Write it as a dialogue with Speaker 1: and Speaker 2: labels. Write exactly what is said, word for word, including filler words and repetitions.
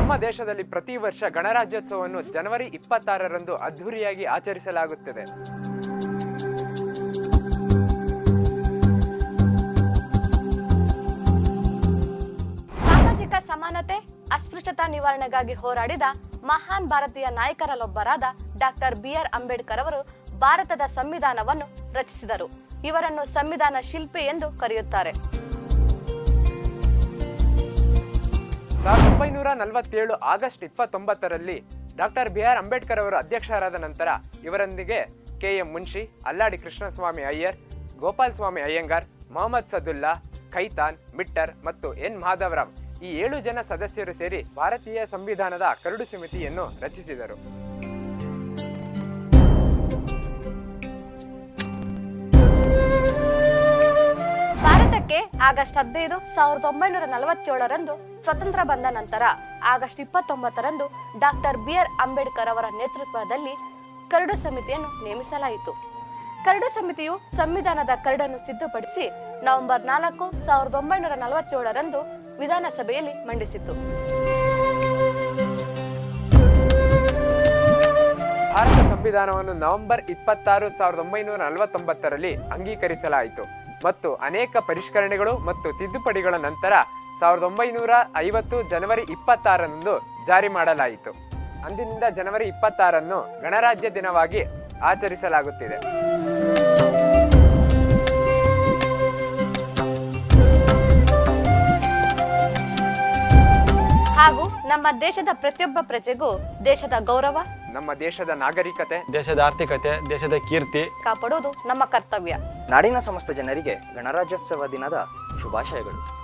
Speaker 1: ನಮ್ಮ ದೇಶದಲ್ಲಿ ಪ್ರತಿ ವರ್ಷ ಗಣರಾಜ್ಯೋತ್ಸವವನ್ನು ಜನವರಿ ಇಪ್ಪತ್ತಾರರಂದು ಅದ್ಧೂರಿಯಾಗಿ ಆಚರಿಸಲಾಗುತ್ತದೆ.
Speaker 2: ಸಾಮಾಜಿಕ ಸಮಾನತೆ, ಅಸ್ಪೃಶ್ಯತಾ ನಿವಾರಣೆಗಾಗಿ ಹೋರಾಡಿದ ಮಹಾನ್ ಭಾರತೀಯ ನಾಯಕರಲ್ಲೊಬ್ಬರಾದ ಡಾಕ್ಟರ್ ಬಿ ಆರ್ ಅಂಬೇಡ್ಕರ್ ಅವರು ಭಾರತದ ಸಂವಿಧಾನವನ್ನು ರಚಿಸಿದರು. ಇವರನ್ನು ಸಂವಿಧಾನ ಶಿಲ್ಪಿ ಎಂದು ಕರೆಯುತ್ತಾರೆ.
Speaker 1: ಸಾವಿರದ ಒಂಬೈನೂರ ನಲವತ್ತೇಳು ಆಗಸ್ಟ್ ಇಪ್ಪತ್ತೊಂಬತ್ತರಲ್ಲಿ ಡಾಕ್ಟರ್ ಬಿ ಆರ್ ಅಂಬೇಡ್ಕರ್ ಅವರು ಅಧ್ಯಕ್ಷರಾದ ನಂತರ ಇವರೊಂದಿಗೆ ಕೆ ಎಂ ಮುನ್ಷಿ, ಅಲ್ಲಾಡಿ ಕೃಷ್ಣಸ್ವಾಮಿ ಅಯ್ಯರ್, ಗೋಪಾಲ್ ಸ್ವಾಮಿ ಅಯ್ಯಂಗಾರ್, ಮೊಹಮ್ಮದ್ ಸದುಲ್ಲಾ, ಖೈತಾನ್, ಮಿಟ್ಟರ್ ಮತ್ತು ಎನ್ ಮಾಧವರಾವ್ ಈ ಏಳು ಜನ ಸದಸ್ಯರು ಸೇರಿ ಭಾರತೀಯ ಸಂವಿಧಾನದ ಕರಡು ಸಮಿತಿಯನ್ನು ರಚಿಸಿದರು.
Speaker 2: ಭಾರತಕ್ಕೆ ಆಗಸ್ಟ್ ಹದಿನೈದು ಸಾವಿರದ ಒಂಬೈನೂರ ನಲವತ್ತೇಳರಂದು ಸ್ವತಂತ್ರ ಬಂದ ನಂತರ ಆಗಸ್ಟ್ ಇಪ್ಪತ್ತೊಂಬತ್ತರಂದು ಡಾಕ್ಟರ್ ಬಿ ಆರ್ ಅಂಬೇಡ್ಕರ್ ಅವರ ನೇತೃತ್ವದಲ್ಲಿ ಕರಡು ಸಮಿತಿಯನ್ನು ನೇಮಿಸಲಾಯಿತು. ಕರಡು ಸಮಿತಿಯು ಸಂವಿಧಾನದ ಕರಡನ್ನು ಸಿದ್ಧಪಡಿಸಿ ನವೆಂಬರ್ ನಾಲ್ಕು ಸಾವಿರದ ಒಂಬೈನೂರ ನಲವತ್ತೇಳರಂದು ವಿಧಾನಸಭೆಯಲ್ಲಿ ಮಂಡಿಸಿತು.
Speaker 1: ಭಾರತ ಸಂವಿಧಾನವನ್ನು ನವೆಂಬರ್ ಇಪ್ಪತ್ತಾರು ಸಾವಿರದ ಒಂಬೈನೂರ ನಲವತ್ತೊಂಬತ್ತರಲ್ಲಿ ಅಂಗೀಕರಿಸಲಾಯಿತು ಮತ್ತು ಅನೇಕ ಪರಿಷ್ಕರಣೆಗಳು ಮತ್ತು ತಿದ್ದುಪಡಿಗಳ ನಂತರ ಸಾವಿರದ ಒಂಬೈನೂರ ಐವತ್ತು ಜನವರಿ ಇಪ್ಪತ್ತಾರರಂದು ಜಾರಿ ಮಾಡಲಾಯಿತು. ಅಂದಿನಿಂದ ಜನವರಿ ಇಪ್ಪತ್ತಾರನ್ನು ಗಣರಾಜ್ಯ ದಿನವಾಗಿ ಆಚರಿಸಲಾಗುತ್ತಿದೆ.
Speaker 2: ಹಾಗೂ ನಮ್ಮ ದೇಶದ ಪ್ರತಿಯೊಬ್ಬ ಪ್ರಜೆಗೂ ದೇಶದ ಗೌರವ,
Speaker 1: ನಮ್ಮ ದೇಶದ ನಾಗರಿಕತೆ,
Speaker 3: ದೇಶದ ಆರ್ಥಿಕತೆ, ದೇಶದ ಕೀರ್ತಿ
Speaker 2: ಕಾಪಾಡುವುದು ನಮ್ಮ ಕರ್ತವ್ಯ.
Speaker 4: ನಾಡಿನ ಸಮಸ್ತ ಜನರಿಗೆ ಗಣರಾಜ್ಯೋತ್ಸವ ದಿನದ ಶುಭಾಶಯಗಳು.